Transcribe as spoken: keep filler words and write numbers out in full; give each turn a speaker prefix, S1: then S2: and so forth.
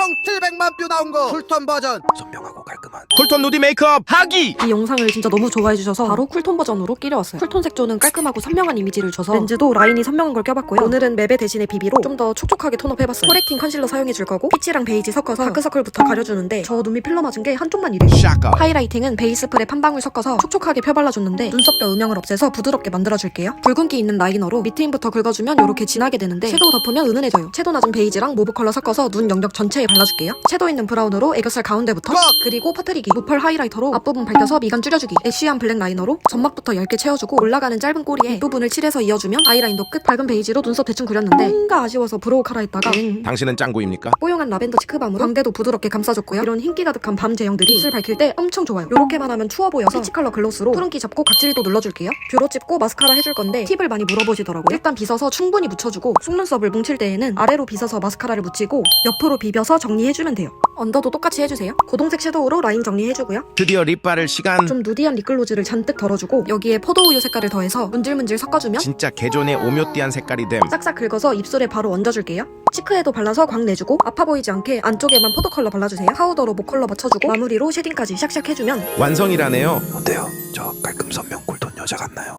S1: 총 칠백만 뷰 나온 거 쿨톤 버전. 선명하고 깔끔한
S2: 쿨톤 누디 메이크업 하기!
S3: 이 영상을 진짜 너무 좋아해주셔서 바로 쿨톤 버전으로 끼려왔어요. 쿨톤 색조는 깔끔하고 선명한 이미지를 줘서 렌즈도 라인이 선명한 걸 껴봤고요. 오늘은 맵의 대신에 비비로 좀 더 촉촉하게 톤업 해봤어요. 코렉팅 컨실러 사용해줄 거고 피치랑 베이지 섞어서 다크서클부터 가려주는데 저 눈밑 필러 맞은 게 한쪽만 이래요.
S2: 샤카
S3: 하이라이팅은 베이스 프랩 한 방울 섞어서 촉촉하게 펴발라줬는데 눈썹뼈 음영을 없애서 부드럽게 만들어줄게요. 붉은기 있는 라이너로 밑트임부터 긁어주면 이렇게 진하게 되는데 섀도우 덮으면 은은해져요. 채도 낮은 베이지랑 모브 컬러 섞어서 눈 영역 전체에 발라줄게요. 채도 있는 브라운으로 애교살 가운데부터 그리고 퍼뜨리기, 무펄 하이라이터로 앞부분 밝혀서 미간 줄여주기, 애쉬한 블랙 라이너로 점막부터 얇게 채워주고 올라가는 짧은 꼬리에 윗부분을 칠해서 이어주면 아이라인도 끝. 밝은 베이지로 눈썹 대충 그렸는데 뭔가 아쉬워서 브로우 카라했다가 응.
S2: 당신은 짱구입니까?
S3: 뽀용한 라벤더 치크밤으로 광대도 부드럽게 감싸줬고요. 이런 흰기 가득한 밤 제형들이 입술 밝힐 때 엄청 좋아요. 요렇게만 하면 추워 보여서 피치 컬러 글로스로 푸른기 잡고 각질도 눌러줄게요. 뷰러 찝고 마스카라 해줄 건데 팁을 많이 물어보시더라고요. 일단 빗어서 충분히 묻혀주고 속눈썹을 뭉칠 때에는 아래로 빗어서 마스카라를 묻히고 옆으로 비벼서 정리해주면 돼요. 언더도 똑같이 해주세요. 고동색 섀도우로 라인 정리해주고요.
S2: 드디어 립 바를 시간.
S3: 좀 누디한 립글로즈를 잔뜩 덜어주고 여기에 포도우유 색깔을 더해서 문질문질 섞어주면
S2: 진짜 개존의 오묘띠한 색깔이 됨.
S3: 싹싹 긁어서 입술에 바로 얹어줄게요. 치크에도 발라서 광 내주고 아파 보이지 않게 안쪽에만 포도 컬러 발라주세요. 파우더로 목 컬러 맞춰주고 마무리로 쉐딩까지 샥샥 해주면
S2: 완성이라네요.
S1: 어때요? 저 깔끔 선명 쿨톤 여자 같나요?